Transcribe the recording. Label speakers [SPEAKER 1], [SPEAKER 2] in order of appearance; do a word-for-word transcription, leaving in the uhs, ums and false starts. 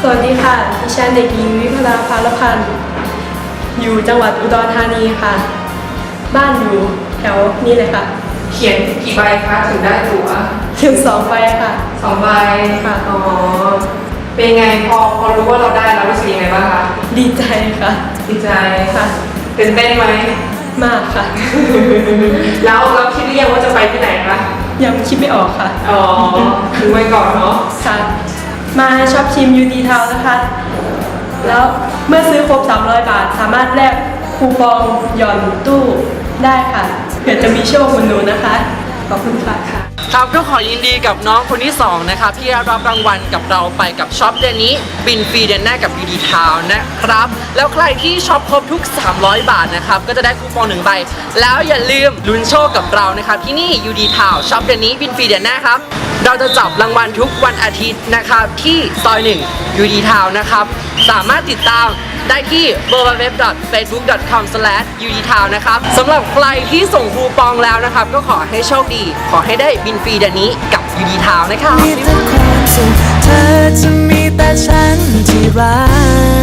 [SPEAKER 1] สวัสดีค่ะดิฉันเด็กหญิงวิภดาภารพันธ์อยู่จังหวัดอุดรธานีค่ะบ้านอยู่แถวนี้เลยค่ะ
[SPEAKER 2] เขียนกี่ใบคะถึงได้ตั๋ว
[SPEAKER 1] ถึงสองใบค่ะ
[SPEAKER 2] สองใบ
[SPEAKER 1] ค่ะ
[SPEAKER 2] อ๋อเป็นไงพอพอรู้ว่าเราได้แล้วรู้สึกยังไงบ้างคะ
[SPEAKER 1] ดีใจค่ะ
[SPEAKER 2] ดีใจ
[SPEAKER 1] ค่ะ
[SPEAKER 2] ตื่นเต้นไหม
[SPEAKER 1] มากค่ะ
[SPEAKER 2] แล้วเราคิดหรือยังว่าจะไปที่ไหนคะ
[SPEAKER 1] ยังคิดไม่ออกค่ะ
[SPEAKER 2] อ๋อถึงไว้ก่อนเนาะ
[SPEAKER 1] ค่ะมาช็อปชิมยูดีทาวนะคะแล้วเมื่อซื้อครบสามร้อยบาทสามารถแลกคูปองหย่อนตู้ได้ค่ะเผื่อจะมีโชคเหมือนหนูนะคะขอบคุณค่ะ
[SPEAKER 3] ครับก็ขอยินดีกับน้องคนที่สองนะครับที่รับรางวัลกับเราไปกับช็อปเดือนนี้บินฟรีเดือนหน้ากับ ยู ดี Town นะครับแล้วใครที่ช็อปครบทุกสามร้อยบาทนะครับก็จะได้คูปองหนึ่งใบแล้วอย่าลืมลุ้นโชคกับเรานะครับที่นี่ ยู ดี Town ช็อปเดือนนี้บินฟรีเดือนหน้าครับเราจะจับรางวัลทุกวันอาทิตย์นะครับที่ซอยหนึ่ง ยู ดี Town นะครับสามารถติดตามได้ที่ ดับเบิลยู ดับเบิลยู ดับเบิลยู ดอท เฟซบุ๊ก ดอท คอม สแลช ยู ดี ทาว นะครับสำหรับใครที่ส่งคูปองแล้วนะครับก็ขอให้โชคดีขอให้ได้บินฟรีเดือนนี้กับ ยู ดี ทาว นะครับ
[SPEAKER 4] มีแต่ความสุขเธอจะมีแต่ฉันที่รัก